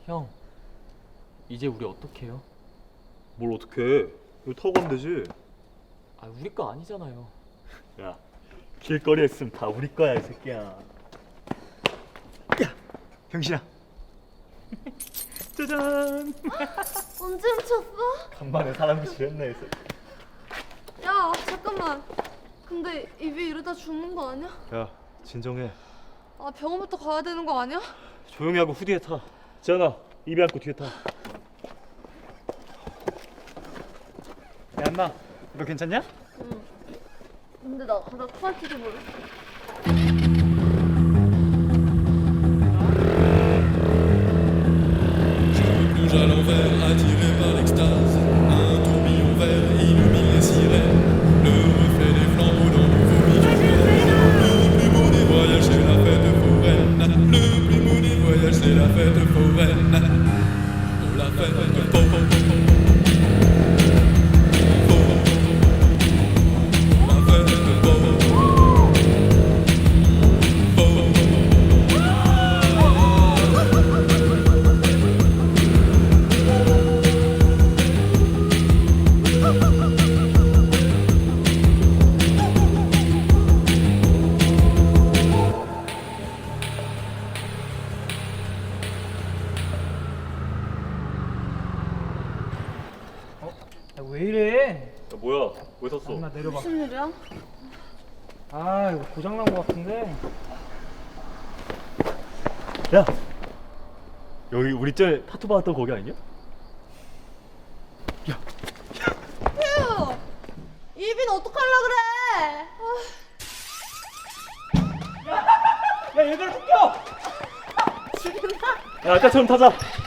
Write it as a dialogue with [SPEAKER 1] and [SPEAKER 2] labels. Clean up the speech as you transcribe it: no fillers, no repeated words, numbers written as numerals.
[SPEAKER 1] 형, 이제 우리 어떡해요?
[SPEAKER 2] 뭘 어떡해? 이거 타고 가면 되지.
[SPEAKER 1] 아, 우리 거 아니잖아요.
[SPEAKER 2] 야, 길거리에 있으면 다 우리 거야, 이 새끼야. 야, 병신아. 짜잔.
[SPEAKER 3] 언제 훔쳤어?
[SPEAKER 2] 간만에 사람 구실했네, 이 새끼.
[SPEAKER 3] 야 잠깐만. 근데 입이 이러다 죽는 거 아니야?
[SPEAKER 2] 야, 진정해.
[SPEAKER 3] 아 병원부터 가야 되는 거 아니야?
[SPEAKER 2] 조용히 하고 후디에 타. 지현아, 입에 안고 뒤에 타. 야, 안나, 너 괜찮냐?
[SPEAKER 3] 응. 근데 나 가다 토할지도 몰라.
[SPEAKER 4] Bouge à l'envers, attiré par l'extase. Un tourbillon vert illumine les sirènes. Le reflet des flambeaux dans le vomi du ciel. Le plus beau des voyages, c'est la fête foraine. Le plus beau des voyages, c'est la fête foraine. Oh, la fête foraine.
[SPEAKER 5] 왜 이래?
[SPEAKER 2] 야, 뭐야? 왜 섰어?
[SPEAKER 5] 나 내려봐.
[SPEAKER 3] 무슨 일이야?
[SPEAKER 5] 아 이거 고장난 거 같은데.
[SPEAKER 2] 야, 여기 우리 전에 타투 받았던 거기 아니냐?
[SPEAKER 3] 휴! 입인 어떡할라 그래?
[SPEAKER 5] 야 얘들아 쫓겨!
[SPEAKER 2] 야, 아까처럼 타자.